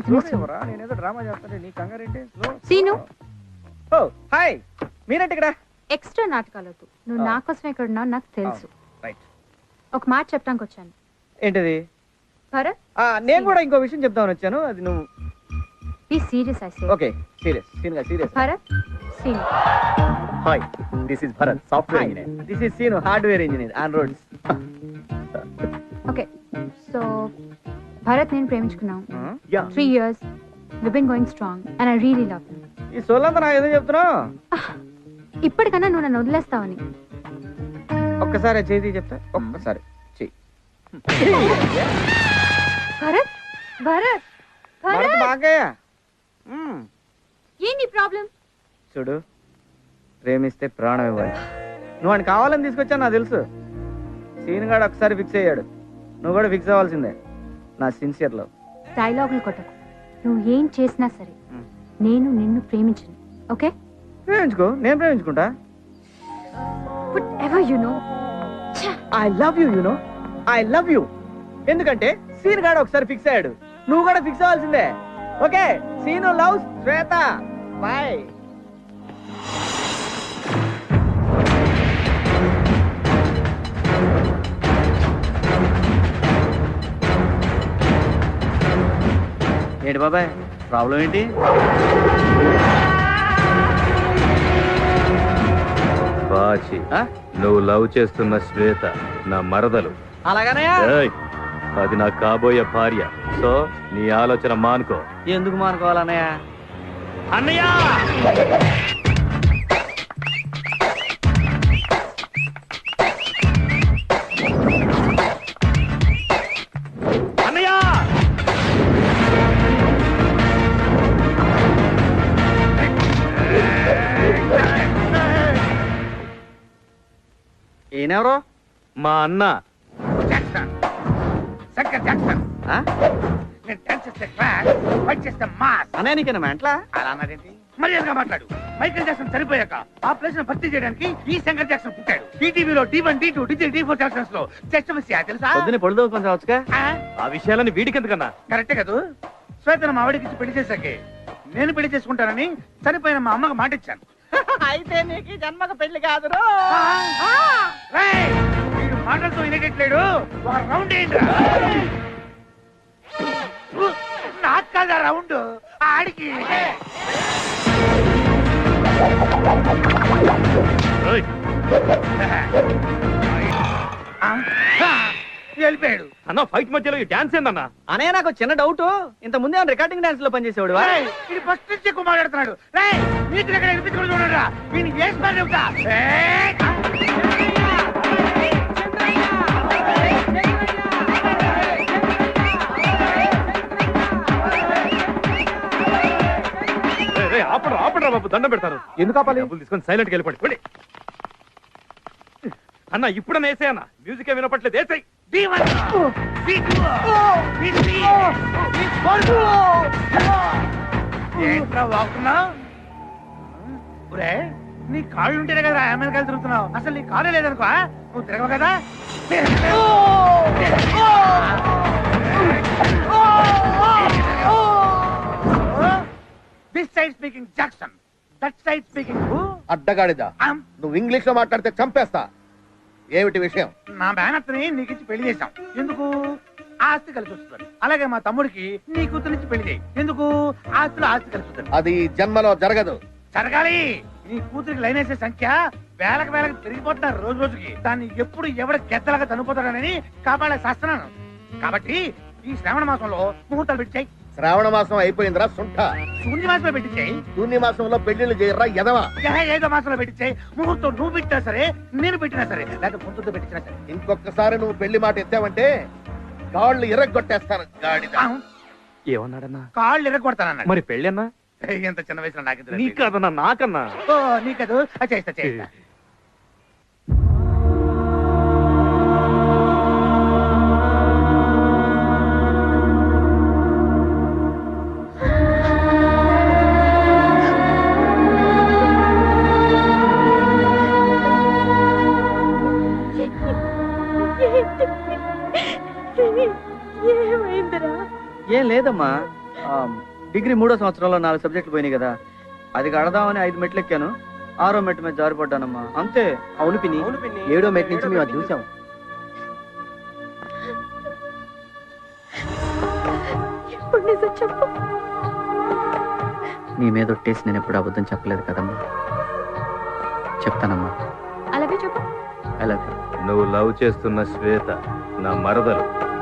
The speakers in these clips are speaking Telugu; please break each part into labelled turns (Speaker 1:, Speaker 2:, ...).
Speaker 1: నేనేదో డ్రామా చేస్తాను నీ కంగారేంటి
Speaker 2: సీను
Speaker 1: ఓ హాయ్ మీరేంటి ఇక్కడ
Speaker 2: ఎక్స్ట్రా నాటకాలొద్దు నువ్వు నా కోసం ఇక్కడ ఉన్నావు నాకు తెలుసు
Speaker 1: రైట్
Speaker 2: ఒక మాట చెప్పడానికి వచ్చాను
Speaker 1: ఏంటిది
Speaker 2: భరత్
Speaker 1: నేను కూడా ఇంకో విషయం చెప్దామని వచ్చాను అది నువ్వు
Speaker 2: be serious I say
Speaker 1: okay serious
Speaker 2: Bharat Seenu
Speaker 3: hi this is Bharat software engineer
Speaker 1: this is Seenu hardware engineer on roads
Speaker 2: okay so Bharat నేను ప్రేమించుకున్నాం
Speaker 3: yeah
Speaker 2: 3 years we've been going strong and I really love him
Speaker 1: ఈ సోలంతా నాకు ఏదో చెప్తున్నావు
Speaker 2: ఇప్పటికన్నా నువ్వు నన్ను వదిలేస్తావని
Speaker 1: ఒక్కసారి చేతి చెప్తా ఒక్కసారి చెయ్యి
Speaker 2: భరత్ భరత్ భరత్
Speaker 1: బాగా
Speaker 2: ఏంటి ప్రాబ్లం
Speaker 1: చూడు ప్రేమిస్తే ప్రాణం ఇవ్వాలి నువ్వు అని కావాలని తీసుకొచ్చా నాకు తెలుసు సీన్ గాడు ఒకసారి ఫిక్స్ అయ్యాడు నువ్వు కూడా ఫిక్స్ అవ్వాల్సిందే నా సిన్సియర్ లవ్
Speaker 2: డైలాగులు కొట్టకు నువ్వు ఏం చేసినా సరే నేను నిన్ను ప్రేమించను ఓకే
Speaker 1: ప్రేమించుకో నేను ప్రేమించుకుంటా
Speaker 2: whatever you know
Speaker 1: I love you I love you ఎందుకంటే సీన్ గాడు ఒకసారి ఫిక్స్ అయ్యాడు నువ్వు కూడా ఫిక్స్ అవ్వాల్సిందే ఓకే సీను లవ్ శ్వేత బాయ్ ఏంటి బాబాయ్ ప్రాబ్లం ఏంటి
Speaker 4: బాచి నువ్వు లవ్ చేస్తున్న శ్వేత నా మరదలు
Speaker 1: అలాగనే
Speaker 4: ఏయ్, అది నా కాబోయే భార్య సో నీ ఆలోచన మానుకో.
Speaker 1: ఎందుకు మానుకోవాలన్నయ్య
Speaker 4: అన్నయ్య అన్నయ్య
Speaker 1: ఈయనెవరో
Speaker 4: మా అన్న
Speaker 5: జాక్సన్ శంకర్ జాక్సన్ నేను డాన్స్ చేస్తే క్లాస్ ఫైట్ చేస్తే మాస్
Speaker 1: అన్నయ్య నీకేనా మెంట్లా
Speaker 5: అలా అన్నదేంటి మర్యాదగా మాట్లాడు మైకేల్ జాక్సన్ చనిపోయాక ఆ ప్లేస్ ను భర్తీ చేయడానికి ఈ శంకర్ జాక్సన్ పుట్టాడు ఈటీవీలో D1 D2 D3 D4 Jackson's లో జస్ట్ మిస్ తెలుసా
Speaker 1: పొద్దున్నే పొడి కొంచెం వచ్చుగా
Speaker 4: ఆ విషయాలని వీడికి ఎందుకన్నా?
Speaker 5: కరెక్టే కదా శ్వేతను మా ఆవిడకి ఇచ్చి పెళ్లి చేశాకే నేను పెళ్లి చేసుకుంటానని చనిపోయిన మా అమ్మకు మాట ఇచ్చాను
Speaker 1: అయితే నీకు జన్మకు పెళ్లి కాదు
Speaker 5: రేయ్, వీడు మాటలతో వినేటట్లేడు ఒక రౌండ్ ఏంటి నాకు కాదా రౌండ్ ఆడికి
Speaker 4: ఏయ్,
Speaker 5: వెళ్ళిపోయాడు
Speaker 4: అన్న ఫైట్ మధ్యలో ఈ డాన్స్ ఏందన్నా?
Speaker 1: అనే నాకు చిన్న డౌట్ ఇంత ముందే రికార్డింగ్ డాన్స్ లో పనిచేసేవాడు
Speaker 5: రేయ్, ఇది ఫస్ట్ నుంచి ఎక్కువ మాట్లాడుతున్నాడు రేయ్ నీకు దగ్గర వినిపించుకుని చూడరా వీని వేసి మరి చెబుతా ఏయ్!
Speaker 4: ఏయ్, ఏయ్, ఆపడరా బాబు దండం పెడతాను.
Speaker 1: ఎందుకు ఆపాలి?
Speaker 4: డబ్బులు తీసుకొని సైలెంట్ గా వెళ్ళిపోండి. అన్న ఇప్పుడన్నా వేసే అన్న మ్యూజిక్ వినపట్లేదు వేసాయి.
Speaker 5: D1, D2, D3, ఏంట్రా వాగుతున్నావు ఒరే నీ కాళ్ళు ఉంటేనే కదా అమెరికాలు తిరుగుతున్నావు అసలు నీ కాళ్ళే లేదనుకో నువ్వు తిరగవు కదా this side speaking Jackson that side speaking
Speaker 6: అడ్డగాడిదా నువ్వు ఇంగ్లీష్ లో మాట్లాడితే చంపేస్తా ఏమిటి విషయం
Speaker 5: నా మేనత్తని నీకు ఇచ్చి పెళ్లి చేశాం ఎందుకు ఆస్తి కలిసి వస్తుంది అలాగే మా తమ్ముడికి నీ కూతురిచ్చి పెళ్లి చేయి ఎందుకు ఆస్తిలో ఆస్తి కలిసి వస్తుంది
Speaker 6: అది జన్మలో జరగదు
Speaker 5: జరగాలి నీ కూతురికి లైన్ వేసే సంఖ్య వేలకు పెరిగిపోతున్నారు రోజు రోజుకి దాన్ని ఎప్పుడు ఎవడ గెద్దలాగా చనిపోతాడని కాపాడే శాస్త్రాను కాబట్టి ఈ శ్రావణ మాసంలో ముహూర్తాలు పెట్టాయి
Speaker 6: శ్రావణ మాసం అయిపోయిందిరా సుంఠ
Speaker 5: శూన్య మాసంలో పెట్టించాయి
Speaker 6: శూన్య మాసంలో పెళ్లిళ్ళు చేయరా ఎదవా
Speaker 5: ఏదో మాసంలో పెట్టించాయి ముహూర్తం నువ్వు పెట్టినా సరే నేను పెట్టినా సరే లేకపోతే ముందుతో పెట్టినా సరే
Speaker 6: ఇంకొకసారి నువ్వు పెళ్లి మాట ఎత్తావంటే కాళ్ళు ఇరగొట్టేస్తాను గాడిద
Speaker 4: ఏమన్నాడన్నా?
Speaker 5: కాళ్ళు ఎరగొడతానన్నాడు
Speaker 4: మరి పెళ్ళి అన్నా?
Speaker 5: ఎంత చిన్న వయసులో నాకు
Speaker 4: నీకదన్నా నాకన్నా?
Speaker 5: ఓ నీకదు చేస్తా చేస్తా
Speaker 1: ఏం లేదమ్మా డిగ్రీ 3వ సంవత్సరంలో 4 సబ్జెక్టులు పోయినాయి కదా, అది కడదామని 5 మెట్లు ఎక్కాను. 6వ మెట్టు మీద జారిపడ్డానమ్మా, అంతే.
Speaker 3: అవును పిన్ని, 7వ మెట్ నుంచి మేము అది చూసాం.
Speaker 2: ఇప్పుడు నిజం చెప్పు.
Speaker 1: నీ మీద ఒట్టేసి నేను ఎప్పుడు అబద్ధం చెప్పలేదు కదమ్మా. చెప్తానమ్మా.
Speaker 2: అలాగే చెప్పు.
Speaker 1: అలాగే.
Speaker 4: నువ్వు లవ్ చేస్తున్న శ్వేత నా మరదలు.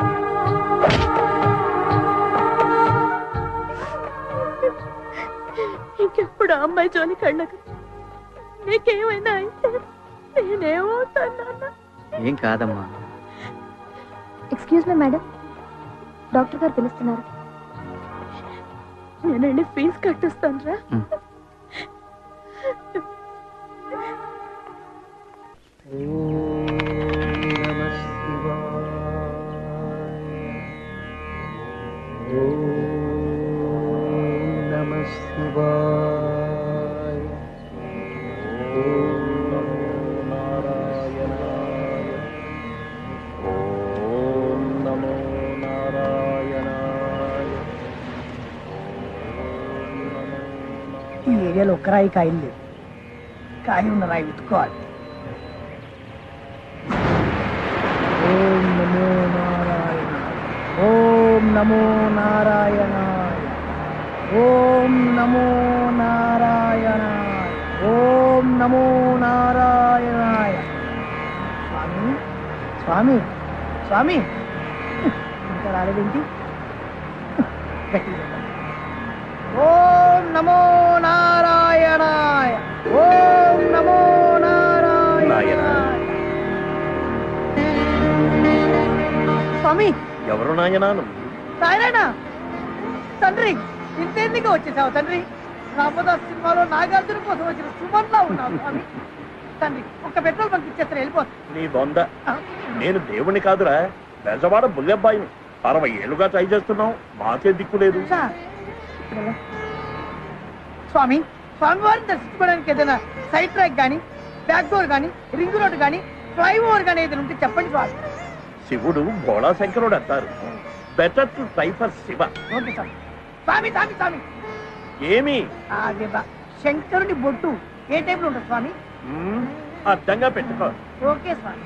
Speaker 2: ఇంకెప్పుడు ఆ అమ్మాయి జోలికి వెళ్ళకు. నీకేమైనా అయితే నేనేమవుతాను నాన్న.
Speaker 1: ఏం కాదమ్మా.
Speaker 2: ఎక్స్క్యూజ్ మీ మేడం, డాక్టర్ గారు పిలుస్తున్నారు. నేనండి ఫీజు కట్టిస్తాను రా.
Speaker 7: ఈ ఏరియాలో ఒక్క రాయి కాయలు లేవు. కాయ ఉన్న రాయి వెతుక్కోవాలి. ఓం నమో నారాయణ, ఓం నమో నారాయణాయ, ఓం నమో నారాయణాయ, ఓం నమో నారాయణాయ. స్వామి స్వామి స్వామి, ఇంకా రాలేదేంటి? గట్టిగా చెప్పండి. ఓం నమో నారాయణాయ, ఓం నమో నారాయణాయ. స్వామి
Speaker 3: ఎవరు నాయనాను?
Speaker 7: నారాయణ తండ్రి, ఇంతెందుకు వచ్చేసావు తండ్రి? రామదాస్ సినిమాలో నాగార్జున కోసం వచ్చిన సుమన్లా ఉన్నావు స్వామి. తండ్రి ఒక్క పెట్రోల్ బంక్ ఇచ్చేస్తారు, వెళ్ళిపోతుంది.
Speaker 3: నీ బొంద, నేను దేవుణ్ణి కాదురా, బెజవాడ బుల్లెబ్బాయిని. 60 ఏళ్ళుగా ట్రై చేస్తున్నావు, మాకే దిక్కు లేదు.
Speaker 7: స్వామి, స్వామివారిని దర్శించుకోవడానికి ఏదైనా సైడ్ ట్రాక్ కానీ, బ్యాక్ డోర్ కానీ, రింగ్ రోడ్ కానీ, ఫ్లైఓవర్ కానీ ఏదైనా ఉంటే చెప్పండి స్వామి.
Speaker 3: శివుడు భోళా శంకరుడు అంటారు. Better to try for Shiva.
Speaker 7: Okay స్వామి. స్వామి స్వామి స్వామి,
Speaker 3: ఏమి
Speaker 7: అదే శంకరుని బొట్టు ఏ టైప్ లో ఉంటుంది స్వామి?
Speaker 3: అర్థంగా పెట్టుకో.
Speaker 7: ఓకే స్వామి.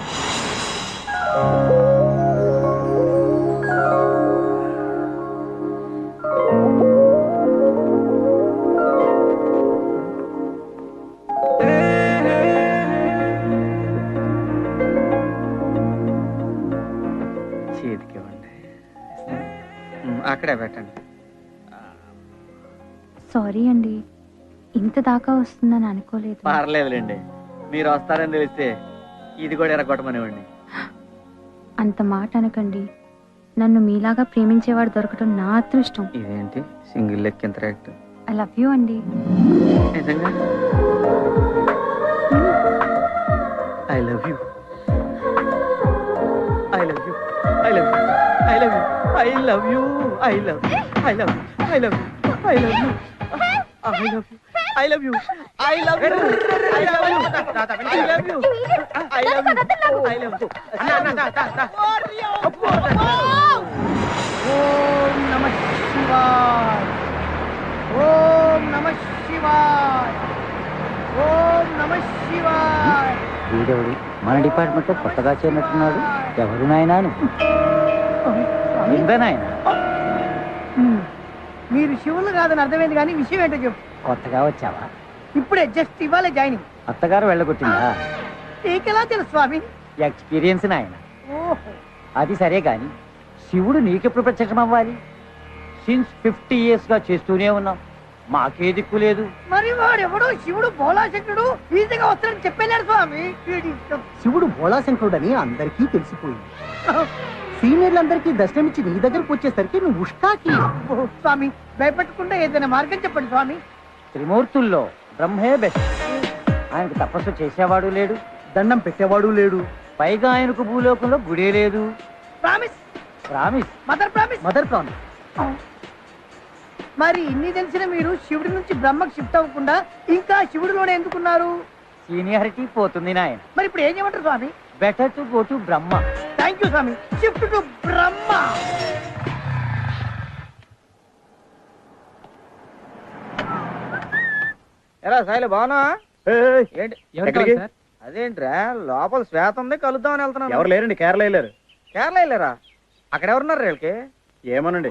Speaker 1: చేతికి ఇవ్వండి. అక్కడే పెట్టండి.
Speaker 2: సారీ అండి, ఇంత దాకా వస్తుందని అనుకోలేదు.
Speaker 1: పర్లేదులేండి, మీరు వస్తారని తెలిస్తే ఇది కూడా ఎరగొట్టమనివ్వండి.
Speaker 2: అంత మాట అనకండి. నన్ను మీలాగా ప్రేమించేవాడు దొరకటం నా అదృష్టం.
Speaker 1: ఇదేంటి సింగిల్ లెక్ ఎంత రేట్?
Speaker 2: ఐ లవ్ యూ అండి.
Speaker 1: నిజంగా I love you, I love you, I love you, I love you, I love you, I love you, I love you, I love you, I love you, I love you, I love you, I love you, I love you, I love you, I love you.
Speaker 7: ఓం నమ శివాయ, ఓం నమ శివాయ, ఓం నమ శివాయ.
Speaker 8: వీడెవడు మన డిపార్ట్మెంట్ లో కొత్తగా చేరినట్టున్నాడు? ఎవరు నాయనాను? నాయన
Speaker 7: మీరు శివులు కాదని అర్థమైంది, కానీ విషయం ఏంటో చెప్పు.
Speaker 8: కొత్తగా వచ్చావా?
Speaker 7: ఇప్పుడే జస్ట్ ఇవాళ జాయినింగ్.
Speaker 8: అత్తగారు వెళ్ళగొట్టిందా?
Speaker 7: నీకెలా తెలుసు స్వామి?
Speaker 8: ఎక్స్పీరియన్స్ నాయన.
Speaker 7: ఓహో,
Speaker 8: అది సరే గాని శివుడు నీకెప్పుడు ప్రత్యక్షం అవ్వాలి? సిన్స్ 50 years గా చేస్తూనే ఉన్నాం, మాకే దిక్కు లేదు.
Speaker 7: మరి వాడెవడో శివుడు భోళాశంకరుడు ఈజీగా వస్తాడని చెప్పలేడు స్వామి.
Speaker 8: శివుడు భోళాశంకరుడని అందరికీ తెలిసిపోయింది. సీనియర్లందరికీ దర్శనమిచ్చి నీ దగ్గరకు వచ్చేసరికి నువ్వు ఉష్కాకి.
Speaker 7: ఓ, స్వామి భయపెట్టకుండా ఏదైనా మార్గం చెప్పండి స్వామి.
Speaker 8: త్రిమూర్తుల్లో బ్రహ్మే బెస్ట్. ఆయనకు తపస్సు చేసేవాడు లేడు, దండం పెట్టేవాడు లేడు, పైగా ఆయనకు భూలోకంలో గుడే లేదు.
Speaker 7: Promise,
Speaker 8: promise,
Speaker 7: mother promise,
Speaker 8: mother promise.
Speaker 7: మరి ఇన్ని తెలిసిన మీరు శివుడి నుంచి బ్రహ్మకు షిఫ్ట్ అవ్వకుండా ఇంకా శివుడిలోనే ఎందుకున్నారు?
Speaker 8: సీనియారిటీ పోతుంది నాయన.
Speaker 7: మరి ఇప్పుడు ఏం చేయమంటారు స్వామి?
Speaker 8: Better to go to Brahma.
Speaker 7: Thank you స్వామి. Shift to Brahma.
Speaker 1: ఎరా సాయిలు బాగున్నా
Speaker 4: ఏయ్,
Speaker 1: ఏంటి
Speaker 4: ఎక్కడికి?
Speaker 1: అదేంట్రా లోపల శ్వేత ఉంది కలుద్దామని వెళ్తున్నాను
Speaker 4: ఎవరు లేరండి కేరళ వెళ్ళారు.
Speaker 1: కేరళ వెళ్ళారా అక్కడ ఎవరున్నారు వీళ్ళకి
Speaker 4: ఏమోనండి